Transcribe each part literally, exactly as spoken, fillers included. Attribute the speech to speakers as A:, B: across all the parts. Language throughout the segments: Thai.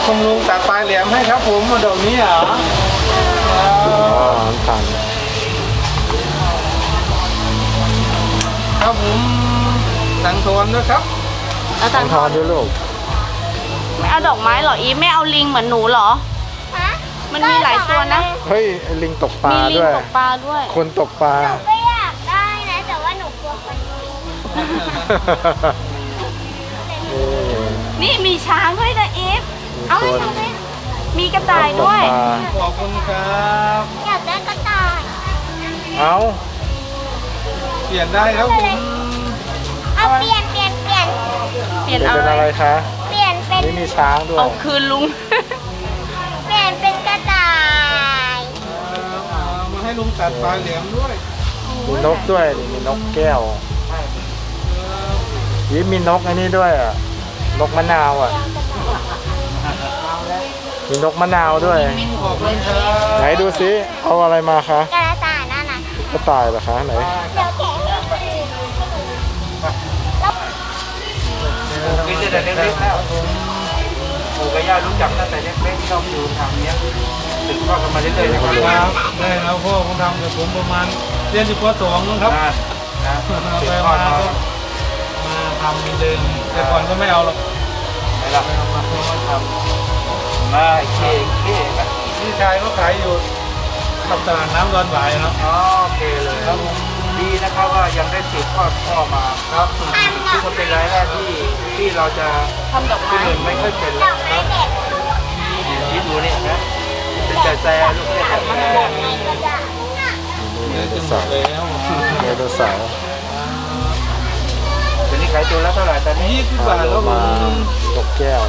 A: คุณลุงตัดปลายแหลมให้ครับผมมาดอกนี้เหรออ๋อ
B: ผ่าน
A: ครับผมสังทอนด้วยครับ
C: แล้ว
B: สั
C: ตั
B: ง
C: ง
B: ทอนด้วยลูก
C: ไม่เอาดอกไม้เหรออีฟไม่เอาลิงเหมือนหนูเหรอ
D: ฮะ
C: มันมีหลายตัวนะ
B: เฮ้ยไอ้ลิงตกปลา
C: มีลิง
B: ด้วย
C: ตกปลาด้วย
B: คนตกปลา
D: หนูก็อยากได้นะ แต่ว่าหนูกลัวคนยิง
C: นี่มีช้างด้วยนะอีฟ
B: เอา
D: เอาให้หนูด้วย
C: มีกระต่ายด้วย
A: ขอบคุณครับ
D: อยากได้กระต่าย
B: เอา
A: เปลี่ยนได้ครับผม
D: เอาเปลี่ยนเปลี่ยนเปลี่ยน
C: เปลี่ยน
B: เป็น
C: อะไร
B: อะไรคะ
D: เปลี่ยนเป็น
B: นี่มีช้างด้วย
C: เอาคืนลุง
D: เปลี่ยนเป็นกระต่าย
A: เอามาให้ลุงตัดปลายแหลมด้วย
B: มีนกด้วยนี่มีนกแก้วยิ้มมีนกอันนี้ด้วยอ่ะ นกมะนาวอ่ะ มีนกมะนาวด้วย
A: ขอบคุณครับ
B: ไหนดูซิเอาอะไรมาคะ
D: กระต่ายนั่นน่ะ
B: กระต่ายเหรอคะไหน
D: เดี๋ยวแกะให้
E: กินแต่เล็กๆแล้วปู่กับย่ารู้จักตั้งแต่เล็กๆชอบดูทางเนี้ยถึงพ่อกันมาเรื่อยๆนะครับ
A: ครับได้แล้วพ่อผมทำกับผมประมาณเรียนอยู่ป .สอง นะครับ
E: นะนะ
A: เอา
E: สื
A: ไป
E: บทอ
A: มา
E: ดมา
A: ก็มาทำเหมือนเดิมแต่ก่อนก็ไม่เอาหรอก
E: ไหนล่ะ
A: ไม่เอามาเพิ่มมาท
E: มาเคเคนะ
A: ำพี่ชายก็ขายอยู่กับตลาดน้ำดอนหวายครับ
E: อ๋อโอเคเลย
A: ครับผม
E: ดีนะครับว่ายังได้สืบทอดพ่อมา
A: ครับ
E: ที่คนเป็นรายแรกที่ที่เราจะ
C: ทำดอก
E: ที่
C: ไม้
E: อื่นไม่ค่อยเป็น
D: ด
E: แล้
D: อ
E: ว
D: กไม้เด็ด
E: ที่ดูนี่นะเป็นแต่แซ่ลูกเล็ก
D: ดอกไม้กระดาษ
A: เนื้อจะหมดแล้ว
B: ไดโนเสาร์
E: เดี๋ยวนี้ขายตัวละเท่าไหร่ตอนนี้
A: ยี่สิบบาทครับผม
B: นกแก้ว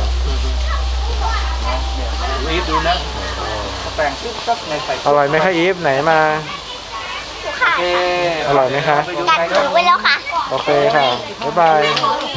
E: ดูอีฟดูนะเขาแต่งปุ๊บปั๊บในใส่
B: อร่อยไหมคะอีฟไหนมา
D: ค่ะ
E: โอเค
B: อร่อยไหมคะ
E: ไปดู
D: กัด
E: ใคร
D: ถือไว้แล้วค่ะ
B: โอเคค่ะ บ๊ายบาย
D: โอเค